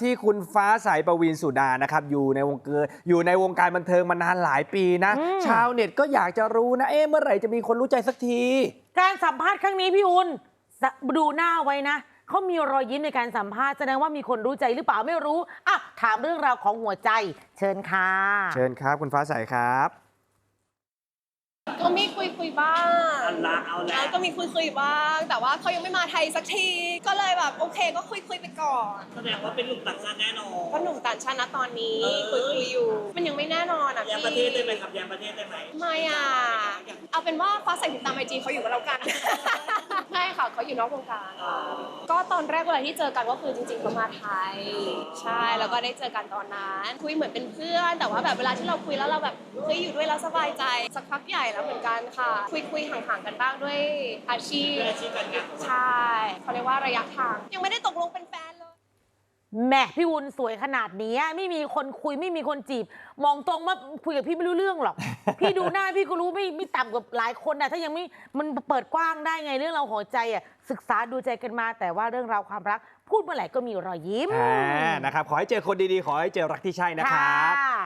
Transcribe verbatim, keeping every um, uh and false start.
ที่คุณฟ้าใสปวีณสุดานะครับอยู่ในวงการอยู่ในวงการบันเทิงมานานหลายปีนะชาวเน็ตก็อยากจะรู้นะเอ๊ะเมื่อไหร่จะมีคนรู้ใจสักทีการสัมภาษณ์ครั้งนี้พี่อุ่นดูหน้าไว้นะเขามีรอยยิ้มในการสัมภาษณ์แสดงว่ามีคนรู้ใจหรือเปล่าไม่รู้อ่ะถามเรื่องราวของหัวใจเชิญค่ะเชิญครับคุณฟ้าใสครับก็มีคุยคุยบ้างเอาละเอาละก็มีคุยคุยบ้างแต่ว่าเขายังไม่มาไทยสักทีก็เลยแบบโอเคก็คุยคุยไปก่อนแสดงว่าเป็นหนุ่มต่างชาติแน่นอนก็หนุ่มต่างชาตินะตอนนี้คุยคุยอยู่มันยังไม่แน่นอนอ่ะยังประเทศได้ไหมครับยังประเทศได้ไหมไม่อ่ะเอาเป็นว่าฟ้าใสติดตามไอจีเขาอยู่กับเรากันใช่ค่ะเขาอยู่นอกวงการก็ตอนแรกเวลาที่เจอกันก็คือจริงๆเขามาไทยใช่แล้วก็ได้เจอกันตอนนั้นคุยเหมือนเป็นเพื่อนแต่ว่าแบบเวลาที่เราคุยแล้วเราแบบเฮ้ยอยู่ด้วยแล้วสบายใจสักพักใหญ่แล้วเหมือนกันค่ะคุยคุยห่างๆกันบ้างด้วยอาชีพอาชีพการงานใช่เขาเรียกว่าระยะทางยังไม่ได้ตกลงเป็นแฟนเลยแม่พี่วุ้นสวยขนาดนี้ไม่มีคนคุยไม่มีคนจีบมองตรงว่าคุยกับพี่ไม่รู้เรื่องหรอก พี่ดูหน้าพี่ก็รู้ไม่ไม่ต่ำกว่าหลายคนนะถ้ายังไม่มันเปิดกว้างได้ไงเรื่องเราหัวใจอ่ะศึกษาดูใจกันมาแต่ว่าเรื่องราวความรักพูดเมื่อไหร่ก็มีรอยยิ้มนะครับขอให้เจอคนดีๆขอให้เจอรักที่ใช่นะครับ